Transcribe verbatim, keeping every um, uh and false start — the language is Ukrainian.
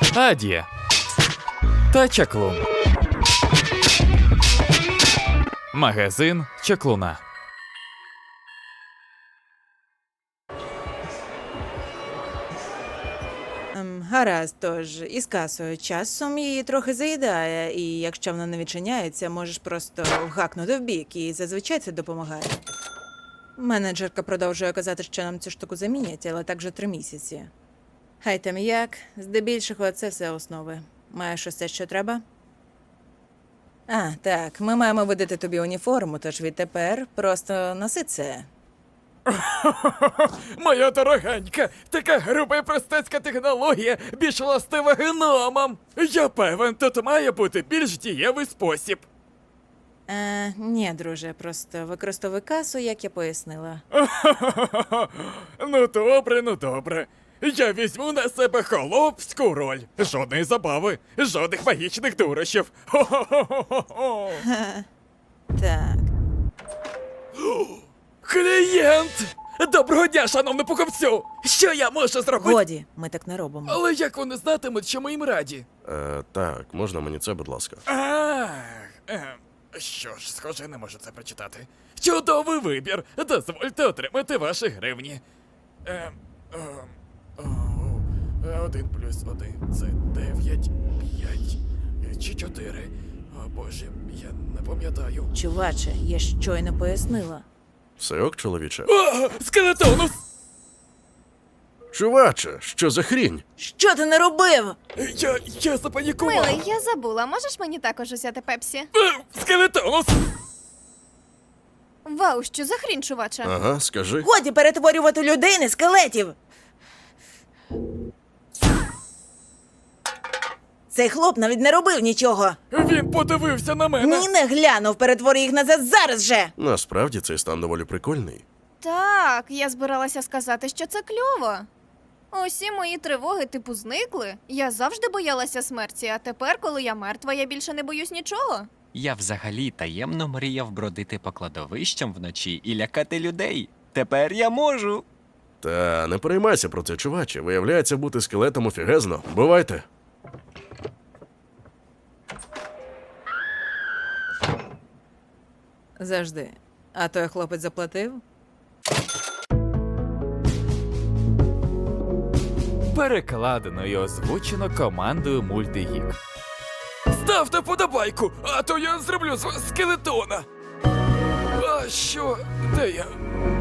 Адія та Чаклун. Магазин Чаклуна. Ем, Гаразд, тож із касою часом її трохи заїдає, і якщо вона не відчиняється, можеш просто вгакнути в бік, і зазвичай це допомагає. Менеджерка продовжує казати, що нам цю штуку замінять, але так вже три місяці. Хай там як, здебільшого це все основи. Маєш усе, що треба? А, так, ми маємо видати тобі уніформу, тож відтепер просто носи це. Моя дорогенька, така груба і простецька технологія, більш властива гномам. Я певен, тут має бути більш дієвий спосіб. Е, ні, друже, просто використовуй касу, як я пояснила. Ну добре, ну добре. Я візьму на себе холопську роль. Жодної забави, жодних магічних дурощів. Хо-хо-хо-хо-хо. Так. Клієнт! Доброго дня, шановний покупцю! Що я можу зробити? Годі, ми так не робимо. Але як вони знатимуть, що ми їм раді? Е, так, можна мені це, будь ласка. Ах, ем, що ж, схоже, не можу це прочитати. Чудовий вибір! Дозвольте отримати ваші гривні. Ем, ем, оу, один плюс один це дев'ять, п'ять чи чотири. О боже, я не пам'ятаю. Чуваче, я щойно пояснила. Все ок, чоловіче? О, скелетонус! Чуваче, що за хрінь? Що ти не робив? Я, я запанікував. Милий, я забула. Можеш мені також взяти пепсі? Е, Скелетонус! Вау, що за хрінь, чуваче? Ага, скажи. Годі перетворювати людей на скелетів! Цей хлоп навіть не робив нічого. Він подивився на мене. Ні, не глянув, перетвори їх назад зараз же! Насправді цей стан доволі прикольний. Так, я збиралася сказати, що це кльово. Усі мої тривоги типу зникли. Я завжди боялася смерті, а тепер, коли я мертва, я більше не боюсь нічого. Я взагалі таємно мріяв бродити по кладовищам вночі і лякати людей. Тепер я можу. Та не переймайся про це, чуваче. Виявляється, бути скелетом офігезно. Бувайте. Завжди. А той хлопець заплатив? Перекладено і озвучено командою Мультигік. Ставте вподобайку, а то я зроблю з вас скелетона. А що? Де я?